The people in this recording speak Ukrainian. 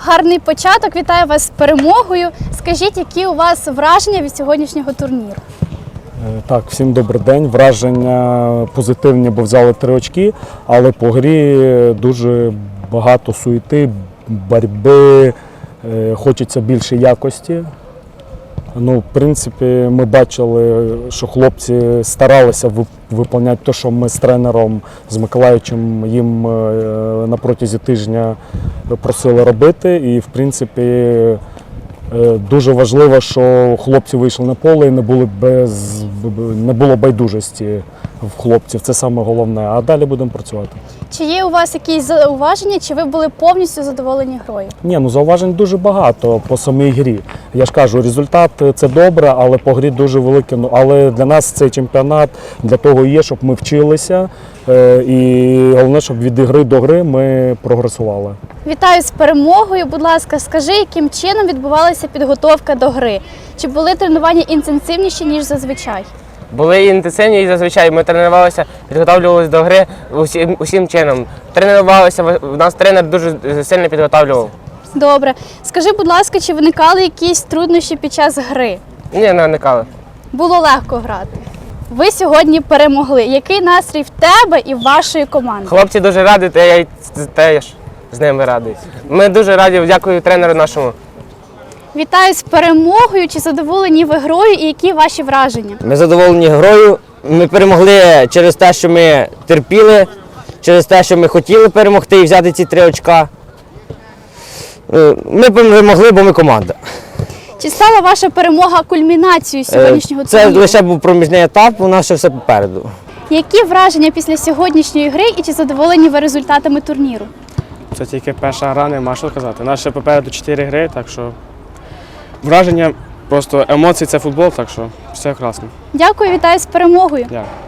Гарний початок. Вітаю вас з перемогою. Скажіть, які у вас враження від сьогоднішнього турніру? Так, всім добрий день. Враження позитивні, бо взяли 3 очки, але по грі дуже багато суєти, боротьби, хочеться більше якості. В принципі, ми бачили, що хлопці старалися виконувати те, що ми з тренером, з Миколайовичем їм на протязі тижня просили робити. І, в принципі, дуже важливо, що хлопці вийшли на поле і не було байдужості в хлопців. Це саме головне. А далі будемо працювати. Чи є у вас якісь зауваження, чи ви були повністю задоволені грою? Ні, зауважень дуже багато по самій грі. Я ж кажу, результат – це добре, але по грі дуже великий. Але для нас цей чемпіонат для того і є, щоб ми вчилися. І головне, щоб від гри до гри ми прогресували. Вітаю з перемогою. Будь ласка, скажи, яким чином відбувалася підготовка до гри? Чи були тренування інтенсивніші, ніж зазвичай? Були інтенсивні і зазвичай ми тренувалися, підготовлювалися до гри усім чином. Тренувалися, нас тренер дуже сильно підготовлював. Добре. Скажи, будь ласка, чи виникали якісь труднощі під час гри? Ні, не виникали. Було легко грати. Ви сьогодні перемогли. Який настрій в тебе і в вашої команди? Хлопці дуже раді, та я й теж з ними радий. Ми дуже раді, дякую тренеру нашому. Вітаю з перемогою. Чи задоволені ви грою і які ваші враження? Ми задоволені грою. Ми перемогли через те, що ми терпіли, через те, що ми хотіли перемогти і взяти ці 3 очка. Ми перемогли, бо ми команда. Чи стала ваша перемога кульмінацією сьогоднішнього Це турніру? лише був проміжний етап, у нас ще все попереду. Які враження після сьогоднішньої гри і чи задоволені ви результатами турніру? Це тільки перша гра, нема що сказати. У нас ще попереду 4 гри, так що враження, просто емоції – це футбол, так що все красно. Дякую, вітаю з перемогою. Дякую.